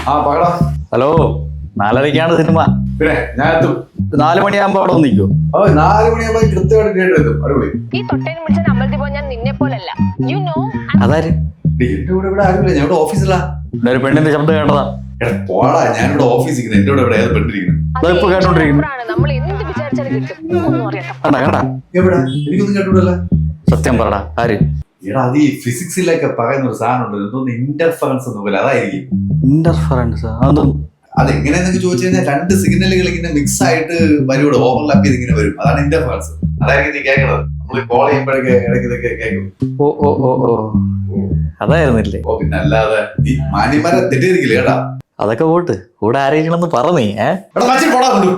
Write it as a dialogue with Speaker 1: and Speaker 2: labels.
Speaker 1: ആ പകടാ.
Speaker 2: Hello, 4:30ക്കാണ് cinema.
Speaker 1: പിന്നെ ഞാൻ എത്തും.
Speaker 2: 4 മണിയാകുമ്പോ അവിടെ നിൽക്കോ?
Speaker 1: 4 മണിയാകുമ്പോ കൃത്യമായിട്ട് തിയേറ്റർ എത്തും. അടിപൊളി.
Speaker 3: ഈ തൊട്ടേനും പിടിച്ച അമ്പലത്തിൽ പോയി ഞാൻ നിന്നെ പോലല്ല. You know.
Speaker 2: അതാര്?
Speaker 1: എന്റെ കൂടെ ഇവിടെ ആരുമില്ല, ഞാൻ ഇവിടെ ഓഫീസിലാ.
Speaker 2: പിന്നെ ഒരു പെണ്ണിന്റെ ശബ്ദം കേട്ടതാ.
Speaker 1: എടാ പോടാ, ഞാനിവിടെ ഓഫീസിൽ എന്റെ കൂടെ ഇവിടെ ഏത് പെട്ടിരിക്കുന്നു.
Speaker 2: ഇപ്പൊ കേട്ടോണ്ടിരിക്കുന്നു.
Speaker 3: നമ്മൾ എന്ത് വിചാരിച്ചാലും കിട്ടും. ഒന്നും അറിയണ്ട.
Speaker 2: കണ്ടാ
Speaker 1: എവിടെ? എനിക്കൊന്നും കേട്ടൂടല്ല.
Speaker 2: സത്യം പറടാ, ആര്?
Speaker 1: എടാ അത് ഈ ഫിസിക്സിലൊക്കെ പറയുന്ന ഒരു സാധനം ഉണ്ട്, എന്തോന്ന് ഇന്റർഫറൻസ് ഒന്നും പോലെ, അതായിരിക്കും.
Speaker 2: ഇന്റർഫറൻസ്? അതൊന്നും
Speaker 1: അതെങ്ങനെയാന്നൊക്കെ ചോദിച്ചു കഴിഞ്ഞാൽ 2 സിഗ്നലുകൾ ഇങ്ങനെ മിക്സ് ആയിട്ട് വരൂടെ, ഓവർലാപ്പ് ചെയ്ത് ഇങ്ങനെ വരും. അതാണ് ഇന്റർഫറൻസ്. അതായിരിക്കും നീ കേൾക്കണത്. നമ്മൾ കോൾ ചെയ്യുമ്പോഴൊക്കെ ഇടയ്ക്ക് ഇതൊക്കെ കേൾക്കും.
Speaker 2: ഓ ഓ ഓ ഓ അതായിരുന്നില്ലേ?
Speaker 1: ഓ പിന്നെ അല്ലാതെ ഈ മാന്യന്മാരെ തെറ്റിയിരിക്കില്ല കേട്ടാ.
Speaker 2: അതൊക്കെ പോട്ട്, കൂടെ ആരെയിരിക്കണമെന്ന് പറഞ്ഞേ.
Speaker 1: എടാ മച്ചി പോടാ കൊണ്ടു.